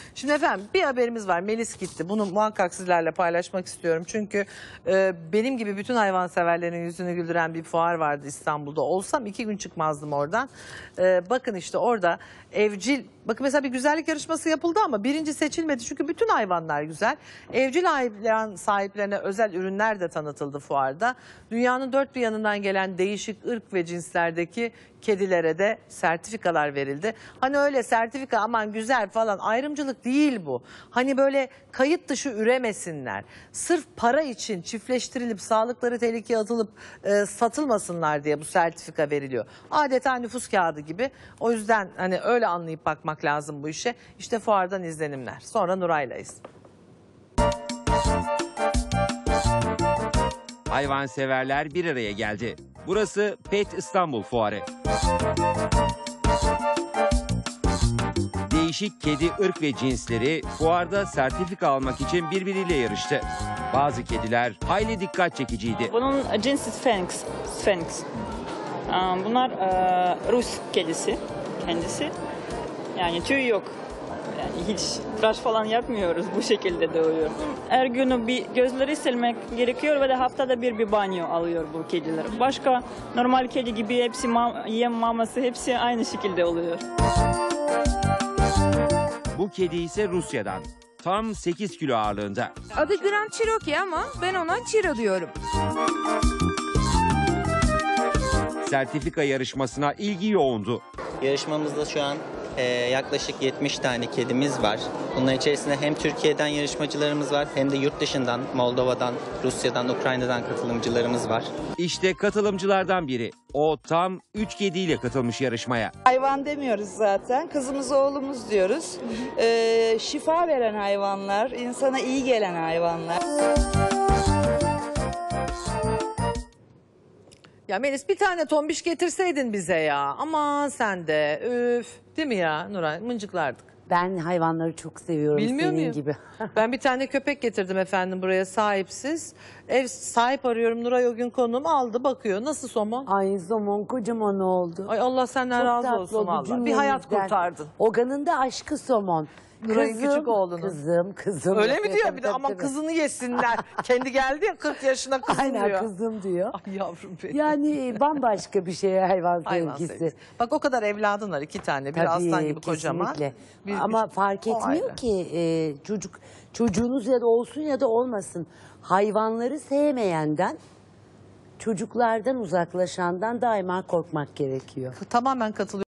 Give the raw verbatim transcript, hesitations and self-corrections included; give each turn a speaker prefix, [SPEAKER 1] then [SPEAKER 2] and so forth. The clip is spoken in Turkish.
[SPEAKER 1] Şimdi efendim bir haberimiz var. Melis gitti. Bunu muhakkak sizlerle paylaşmak istiyorum. Çünkü e, benim gibi bütün hayvanseverlerin yüzünü güldüren bir fuar vardı İstanbul'da. Olsam iki gün çıkmazdım oradan. E, bakın işte orada evcil, bakın mesela bir güzellik yarışması yapıldı ama birinci seçilmedi. Çünkü bütün hayvanlar güzel. Evcil hayvan sahiplerine özel ürünler de tanıtıldı fuarda. Dünyanın dört bir yanından gelen değişik ırk ve cinslerdeki kedilere de sertifikalar verildi. Hani öyle sertifika aman güzel falan ayrımcılık değil bu. Hani böyle kayıt dışı üremesinler. Sırf para için çiftleştirilip sağlıkları tehlikeye atılıp e, satılmasınlar diye bu sertifika veriliyor. Adeta nüfus kağıdı gibi. O yüzden hani öyle anlayıp bakmak lazım bu işe. İşte fuardan izlenimler. Sonra Nuray'layız.
[SPEAKER 2] Hayvanseverler bir araya geldi. Burası Pet İstanbul Fuarı. Değişik kedi ırk ve cinsleri fuarda sertifika almak için birbiriyle yarıştı. Bazı kediler hayli dikkat çekiciydi.
[SPEAKER 3] Bunun cinsi Sphinx. Sphinx. Bunlar Rus kedisi kendisi. Yani tüy yok. Yani hiç tıraş falan yapmıyoruz, bu şekilde doğuyor. Her günü bir gözleri silmek gerekiyor ve de haftada bir bir banyo alıyor bu kediler. Başka normal kedi gibi hepsi ma yem maması hepsi aynı şekilde oluyor.
[SPEAKER 2] Bu kedi ise Rusya'dan. Tam sekiz kilo ağırlığında.
[SPEAKER 4] Adı Grand Cherokee ama ben ona Chiro diyorum.
[SPEAKER 2] Sertifika yarışmasına ilgi yoğundu.
[SPEAKER 5] Yarışmamızda şu an e, yaklaşık yetmiş tane kedimiz var. Bunların içerisinde hem Türkiye'den yarışmacılarımız var hem de yurt dışından, Moldova'dan, Rusya'dan, Ukrayna'dan katılımcılarımız var.
[SPEAKER 2] İşte katılımcılardan biri. O tam üç kediyle katılmış yarışmaya.
[SPEAKER 6] Hayvan demiyoruz zaten. Kızımız oğlumuz diyoruz. Ee, şifa veren hayvanlar, insana iyi gelen hayvanlar.
[SPEAKER 1] Ya Melis bir tane tombiş getirseydin bize ya. Aman sen de üf. Değil mi ya Nuray? Mıncıklardık.
[SPEAKER 7] Ben hayvanları çok seviyorum.
[SPEAKER 1] Bilmiyor
[SPEAKER 7] senin
[SPEAKER 1] muyum?
[SPEAKER 7] gibi.
[SPEAKER 1] Ben bir tane köpek getirdim efendim buraya sahipsiz. Ev sahip arıyorum. Nuray o gün konuğum aldı bakıyor. Nasıl somon?
[SPEAKER 7] Ay somon kocaman oldu.
[SPEAKER 1] Ay Allah senden
[SPEAKER 7] Çok
[SPEAKER 1] razı
[SPEAKER 7] tatlı
[SPEAKER 1] olsun
[SPEAKER 7] oldu
[SPEAKER 1] valla. Bir hayat
[SPEAKER 7] cümlemizden.
[SPEAKER 1] kurtardın.
[SPEAKER 7] Ogan'ın da aşkı somon.
[SPEAKER 1] Nuray'ın
[SPEAKER 7] Kızım,
[SPEAKER 1] küçük oğlunun.
[SPEAKER 7] Kızım, kızım.
[SPEAKER 1] Öyle mi diyor
[SPEAKER 7] Tabii,
[SPEAKER 1] bir de
[SPEAKER 7] tabii,
[SPEAKER 1] aman
[SPEAKER 7] tabii.
[SPEAKER 1] kızını yesinler. Kendi geldi ya kırk yaşına kızım
[SPEAKER 7] Aynen
[SPEAKER 1] diyor.
[SPEAKER 7] kızım diyor.
[SPEAKER 1] Ay yavrum benim.
[SPEAKER 7] Yani bambaşka bir şey hayvan,
[SPEAKER 1] Hayvan
[SPEAKER 7] sevgisi.
[SPEAKER 1] sevgisi. Bak o kadar evladın var iki tane. Bir
[SPEAKER 7] Tabii,
[SPEAKER 1] aslan gibi kocaman.
[SPEAKER 7] kesinlikle.
[SPEAKER 1] Bir,
[SPEAKER 7] Ama
[SPEAKER 1] bir-
[SPEAKER 7] fark
[SPEAKER 1] o
[SPEAKER 7] etmiyor
[SPEAKER 1] ayrı.
[SPEAKER 7] ki e, çocuk çocuğunuz ya da olsun ya da olmasın. Hayvanları sevmeyenden, çocuklardan uzaklaşandan daima korkmak gerekiyor.
[SPEAKER 1] Tamamen katılıyorum.